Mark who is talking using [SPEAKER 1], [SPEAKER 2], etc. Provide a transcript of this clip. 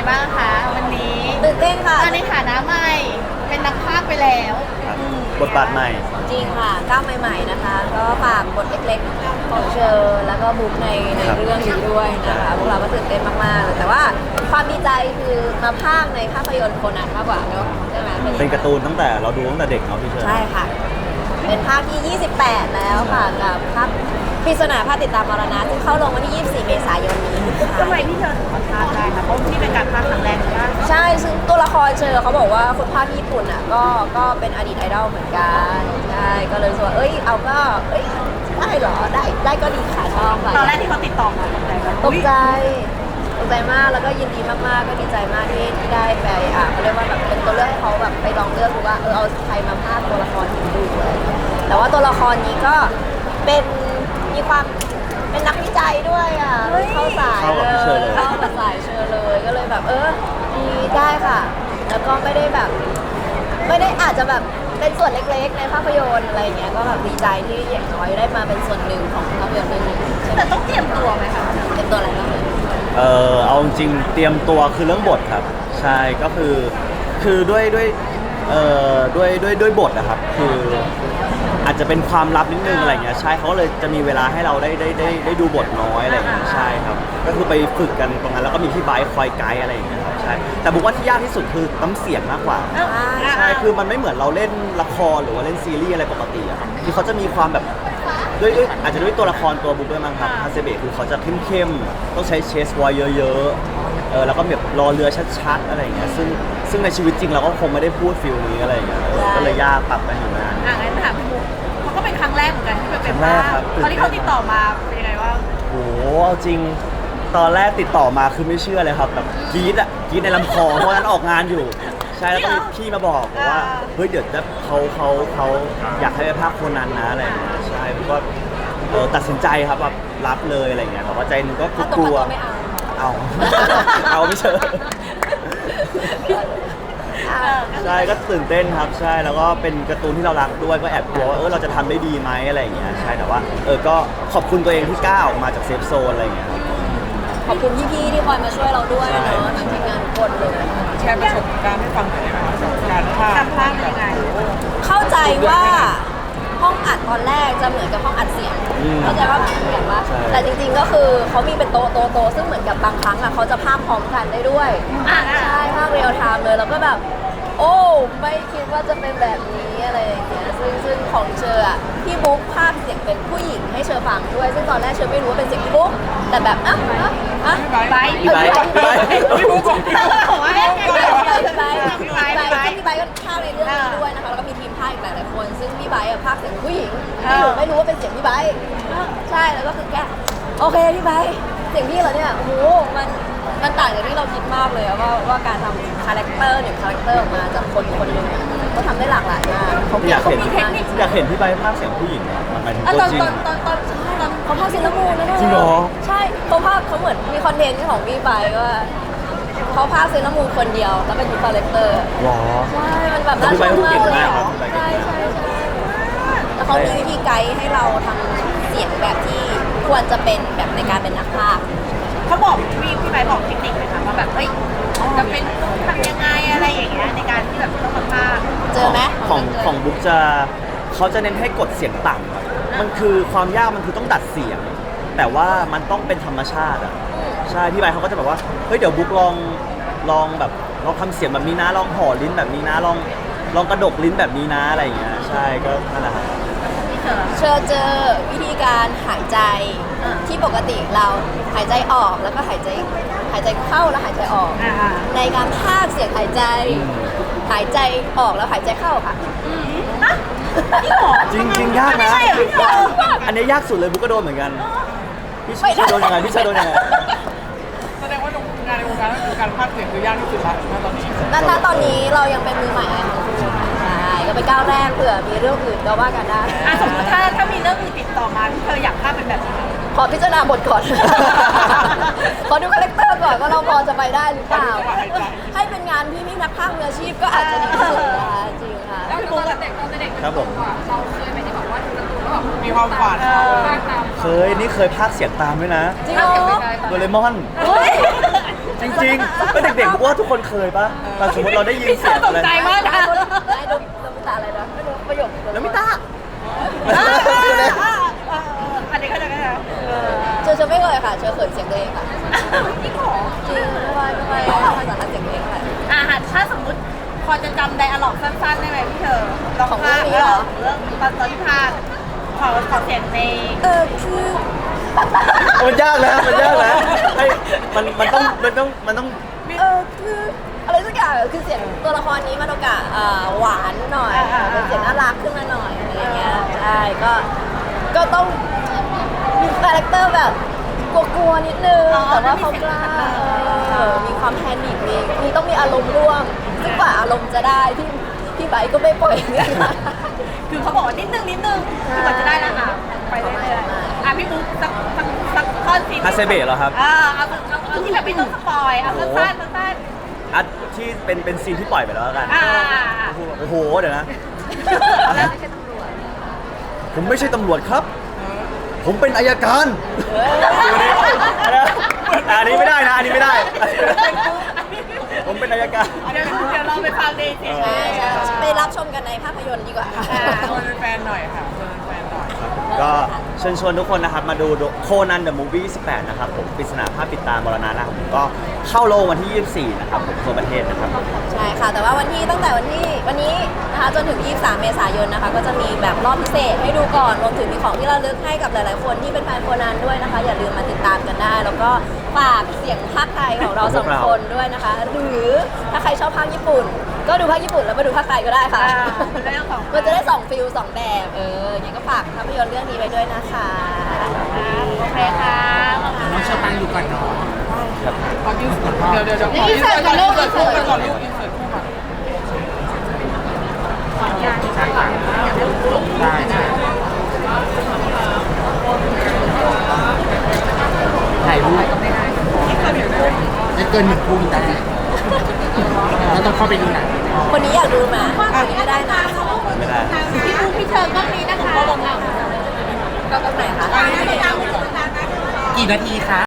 [SPEAKER 1] บ้างคะวันนี้
[SPEAKER 2] ตื่นเต้นค่ะ
[SPEAKER 1] ในฐานะใหม่เป็นนักพากย์ไปแล้ว
[SPEAKER 3] บทบาทใหม่
[SPEAKER 2] จริงค่ะก้าวใหม่ๆนะคะก็ฝากบทเล็กๆของเชอร์แล้วก็บุ๊กในเรื่องนี้ด้วยนะคะพวกเราก็ตื่นเต้นมากๆเลยแต่ว่าความดีใจคือมาพากย์ในภาพยนตร์โคนันมากกว่าเนอะใช่ไหม
[SPEAKER 3] เป็นการ์ตูนตั้งแต่เราดูตั้งแต่เด็กเนาะพี่เชอร์
[SPEAKER 2] ใช่ค่ะเป็นภาคที่ 28 แล้วค่ะกับภาคปริศนาภาคติดตามมรณะที่เข้าลงวันที่ 24 เมษายนนี้
[SPEAKER 1] ทำไมพี่เชอร์ถึงมาพากย์ได้คะเพราะนี่เป็นการพากย์ครั้งแรกใช่ไหม
[SPEAKER 2] ใช่ซึ่งตัวละครเชอร์เขาบอกว่าคนภาคที่ญี่ปุ่นอ่ะก็เป็นอดีตไอดอลเหมือนกันใช่ก็เลยรู้สึกว่าเอาก็ได้เหรอได้ก็ดีค่ะชอบค่ะ
[SPEAKER 1] ตอนแรกที่เขาติดต่อมา
[SPEAKER 2] ตกใจมากแล้วก็ยินดีมากๆก็ดีใจมากที่ได้ไปเขาเรียกว่าแบบเป็นตัวเลือกให้เขาแบบไปลองเลือกดูว่าเอาใครมาพากย์ตัวละครนี้ดูเลยแต่ว่าตัวละครนี้ก็เป็นมีความเป็นนักวิจัยด้วยเข้าสายเลยเข้ากับสายเชอเลยก็เลยแบบดีได้ค่ะแล้วก็ไม่ได้อาจจะแบบเป็นส่วนเล็กๆในภาพยนตร์อะไรอย่างเงี้ยก็แบบดีใจที่อย่างน้อยได้มาเป็นส่วนหนึ่งของภาพยนตร์เรื่องนี้
[SPEAKER 1] แต่ต้องเตรียมตัวไหมคะ
[SPEAKER 2] เตรียมตัวอะไรบ้าง
[SPEAKER 3] เอาจริงเตรียมตัวคือเรื่องบทครับใช่ก็คือด้วยบทนะครับคืออาจจะเป็นความลับนิดนึงอะไรเงี้ยใช่เขาเลยจะมีเวลาให้เราได้ดูบทน้อยอะไรเงี้ยใช่ครับก็คือไปฝึกกันตรงนั้นแล้วก็มีพี่ไบค์คอยไกด์อะไรอย่างเงี้ยใช่แต่บอกว่าที่ยากที่สุดคือน้ำเสียงมากกว่าใช่คือมันไม่เหมือนเราเล่นละครหรือว่าเล่นซีรีส์อะไรปกติอะครับคือเขาจะมีความแบบด้วยอาจจะด้วยตัวละครตัวบุ๊กด้วยมั้งครับฮาเซเบะคือเขาจะเข้มๆต้องใช้เชสวอยเยอะๆแล้วก็แบบรอเรือชัดๆอะไรอย่างเงี้ยซึ่งในชีวิตจริงเราก็คงไม่ได้พูดฟิลนี้อะไรอย่างเงี้ยก็เลยยากปรับกันอยู่นาน
[SPEAKER 1] งั้นถามพี่บุ๊กเขาก็เป็นครั้งแรกเหมือนกันที่เป็นภาคตอนที่เขาติดต่อมาเป็นยังไงบ้าง
[SPEAKER 3] โอ้เอาจริงตอนแรกติดต่อมาคือไม่เชื่อเลยครับแบบกรี๊ดในลำคอเพราะนั้นออกงานอยู่ใช่แล้วก็มีพี่มาบอกว่าเฮ้ยเดี๋ยวเขาอยากให้ไปภาคโคนันนะอะไรอย่างเงี้ยใช่ผมก็ตัดสินใจครับแบบรับเลยอะไรอย่างเงี้ยแต่ว่าใจนึงก็กลัวเอาไม่เชื่อใช่ก็ตื่นเต้นครับใช่แล้วก็เป็นการ์ตูนที่เรารักด้วยก็แอบกลัวว่าเราจะทำได้ดีไหมอะไรอย่างเงี้ยใช่แต่ว่าก็ขอบคุณตัวเองที่กล้าออกมาจากเซฟโซนอะไรอย่างเงี้ย
[SPEAKER 2] ขอบคุณพี่ๆที่คอยมาช่วยเราด้วยเนาะทั้งทีมงานทุกคนเลย
[SPEAKER 4] แชร์ประสบการณ์ให้ฟังหน่อยนะคะการพากย์
[SPEAKER 1] ยังไง
[SPEAKER 2] เข้าใจว่าห้องอัดตอนแรกจะเหมือนกับห้องอัดเสียงเข้าใจว่าเหมือนกันว่าแต่จริงๆก็คือเขามีเป็นโต๊ะซึ่งเหมือนกับบางครั้งเขาจะพากย์พร้อมกันได้ด้วยใช่พากย์เรียลไทม์เลยแล้วก็แบบโอ้ไม่คิดว่าจะเป็นแบบนี้อะไรอย่างเงี้ยซึ่งของเชอร์พี่บุ๊กพากย์เสียงเป็นผู้หญิงให้เชอร์ฟังด้วยซึ่งตอนแรกเชอร์ไม่รู้ว่าเป็นเสียงพี่บุ๊กแต่แบบ
[SPEAKER 3] พี่ไบ
[SPEAKER 4] พี่บุ๊กของ
[SPEAKER 1] พี่บอกว่า
[SPEAKER 2] พี่ไบก็พากย์ในเรื่องนี้ด้วยนะคะแล้วก็มีทีมพากย์อีกหลายๆคนซึ่งพี่ไบพากย์เสียงผู้หญิงที่หนูไม่รู้ว่าเป็นเสียงพี่ไบใช่แล้วก็คือแกโอเคพี่ไบเสียงพี่เหรอเนี่ยโอ้โหมันต่างจากที่เราคิดมากเลยว่าการทำคาแรคเตอร์1 คาแรคเตอร์ออกมาจากคนหนึ่งก็ทำได้หลากหลายมาก
[SPEAKER 3] อยากเห็นพี่ไบภาคเสียงผู้หญิงหมายถึงตัวจริง
[SPEAKER 2] ตอนเขาพากย์เซเลมูนนะ
[SPEAKER 3] จริงเหรอ
[SPEAKER 2] ใช่เขาเหมือนมีคอนเทนต์ของพี่ไบว่าเขาพากย์เซเลมูนคนเดียวแล้วเป็นคาแรคเตอร์
[SPEAKER 3] หรอ
[SPEAKER 2] ใช่มันแบบน่าชมมากเลยใช่แล้วเขามีวิธีไกด์ให้เราทำเสียงแบบที่ควรจะเป็นแบบในการเป็นนักพากย์
[SPEAKER 1] เขาบอกพี่ไบบอกเทคนิคไหมคะว่าแบบจะเป็นทำยังไงอะไรอย่างเงี้ยในการที่แบบต้องมาพากย์
[SPEAKER 2] เจอไหม
[SPEAKER 3] ของบุ๊กเขาจะเน้นให้กดเสียงต่ำครับมันคือความยากมันคือต้องดัดเสียงแต่ว่ามันต้องเป็นธรรมชาติใช่พี่ไบเขาก็จะแบบว่าเฮ้ยเดี๋ยวบุ๊กลองแบบลองทำเสียงแบบนี้นะลองห่อลิ้นแบบนี้นะลองกระดกลิ้นแบบนี้นะอะไรอย่างเงี้ยใช่ก็นั่นแหละครับ
[SPEAKER 2] เจอวิธีการหายใจที่ปกติเราหายใจออกแล้วก็หายใจเข้าแล้วหายใจออกในการพากย์เสียงหายใจออกแล้วหายใจเข้าค่ะ
[SPEAKER 3] จริงยากนะอันนี้ยากสุดเลยบุ๊กก็โดนเหมือนกันพี่เชอโดนยังไงแสดง
[SPEAKER 4] ว่างานในวงการคือการพากย์เสียงคือยากที่สุดละตอนนี้
[SPEAKER 2] ตอนนี้เรายังเป็นมือใหม่ใช่ก็เป็นก้าวแรกเผื่อมีเรื่องอื่นก็ว่ากันได้
[SPEAKER 1] สมมติถ้ามีเรื่องอื่นติดต่อมาที่เธออยากพากย์เป็นแบบไหน
[SPEAKER 2] ขอพิจารณาบทก่อน ขอดูคาแรคเตอร์ก่อนว่าเราพอจะไปได้หรือเปล่าให้เป็นงานพี่นักพากย์มืออาชีพก็อาจจะดีที่สุดนะคะจริงค่ะ
[SPEAKER 1] แล้วตอนเด็ก
[SPEAKER 3] ครับผม
[SPEAKER 1] เราเคยไหมที่บอกว่าดูการ์ตูนแล้วแบบ
[SPEAKER 4] มีความฝัน
[SPEAKER 3] เคยพากย์เสียงตามด้วยนะ
[SPEAKER 2] จริงเหรอ
[SPEAKER 3] โดเรมอนจริงๆเป็นเด็กๆพวกว่าทุกคนเคยปะแต่สมมติเราได้ยินเสียงอะไร
[SPEAKER 1] ตกใจมากนะ
[SPEAKER 2] ไม่ดูตาอะไรนะไม่รู้ประโยค
[SPEAKER 3] แล้วไม่ตา
[SPEAKER 1] อันนี้ก็จะ
[SPEAKER 2] เชอไม่เคยค่ะเชอเขินเสียงตัวเองค่ะ
[SPEAKER 1] พี่ขอ
[SPEAKER 2] จริงไม่ภาษาเสียงตัวเองค่ะ
[SPEAKER 1] ถ้าสมมติพอจะจำไดอะล็อกสั้นๆได้ไหมพี่เธอลอง
[SPEAKER 2] ของ
[SPEAKER 1] พาก
[SPEAKER 2] เรื่องนี้เหรอ
[SPEAKER 1] เรื่องตอนที่พากขอเสียงใน
[SPEAKER 2] คือ
[SPEAKER 3] มันยากนะมันยากนะให้มันต้อง
[SPEAKER 2] คืออะไรสักอย่างคือเสียงตัวละครนี้มันโอกาสหวานหน่อยเป็นเสียงน่ารักขึ้นมาหน่อยอะไรอย่างเงี้ยใช่ก็ต้องมีคาแรคเตอร์แบบกลัวๆนิดนึงแต่ว่าเขากล้ามีความแพนิคมีต้องมีอารมณ์ร่วมซึ่งกว่าอารมณ์จะได้พี่ไบค์ก็ไม่ปล่อย
[SPEAKER 1] คือเขาบอกว่านิดนึงคือมันจะได้แล้วไปเรื่อยๆพี่บุ๊กสักข้อซีน
[SPEAKER 3] ฮาเซเบะเหรอครับ
[SPEAKER 1] เอาที่แบบไม่ต้องสปอยเอาสั้น
[SPEAKER 3] อัดที่เป็นซีนที่ปล่อยไปแล้วกัน โอ้โหเดี๋ยวนะ ผมไม่ใช่ตำรวจครับ ผมเป็นอัยการอันนี้ไม่ได้นะอันนี้ไม่ได้ ผมเป็นอัยการ
[SPEAKER 1] เดี๋ยวเราไปฟังดีสิ
[SPEAKER 2] ใช่ไปรับชมกันในภาพยนตร์ดีกว่าค่ะ
[SPEAKER 4] ชวนแฟนหน่อยค่ะชวนแฟนหน่อย
[SPEAKER 3] ก็เชิญชวนทุกคนนะครับมาดูโคนันเดอะมูฟวี่18นะครับผมปริศนาภาพปิดตามรณะนะครับผมก็เข้าโรงวันที่ 24 นะครับผมทั่วประเทศนะครับ
[SPEAKER 2] ใช่ค่ะ แต่ว่าตั้งแต่วันนี้นะคะจนถึง 23 เมษายนนะคะ ก็จะมีแบบรอบพิเศษให้ดูก่อน รวมถึงมีของที่ระลึกให้กับหลายๆคนที่เป็นแฟนโคนันด้วยนะคะ อย่าลืมมาติดตามกันได้ แล้วก็ฝากเสียงภาคไทยของเราสองคนด้วยนะคะ หรือถ้าใครชอบภาคญี่ปุ่น ก็ดูภาคญี่ปุ่นแล้วมาดูภาคไทยก็ได้ค่ะ มันจะได้2ฟิล2แบบอย่างนี้ก็ฝากภาพยนตร์เรื่องนี้ไว้ด้วยนะคะ
[SPEAKER 1] โอเคค่ะ
[SPEAKER 4] น้องเชอปังอยู่ก่อนเนาะ
[SPEAKER 3] ครับ
[SPEAKER 4] ขอเดี๋ยวขออินเสิร์ตก่อนลูกอินเสิร์ตก่อนลูกอินเสิร์ตคู่ก่อนได้ถ่ายรูปจะเกิน1 ทุ่มได้แล้วต้องเข้าไปดูหนัง
[SPEAKER 2] คนนี้อยากดูไหมคนนี้ไม่ได้นะ
[SPEAKER 3] ไม่ได้
[SPEAKER 1] พี่บุ๊กพี่เชิญก็มีนะคะ
[SPEAKER 2] ก็ตรงไหนคะ
[SPEAKER 4] กี่นาทีคะ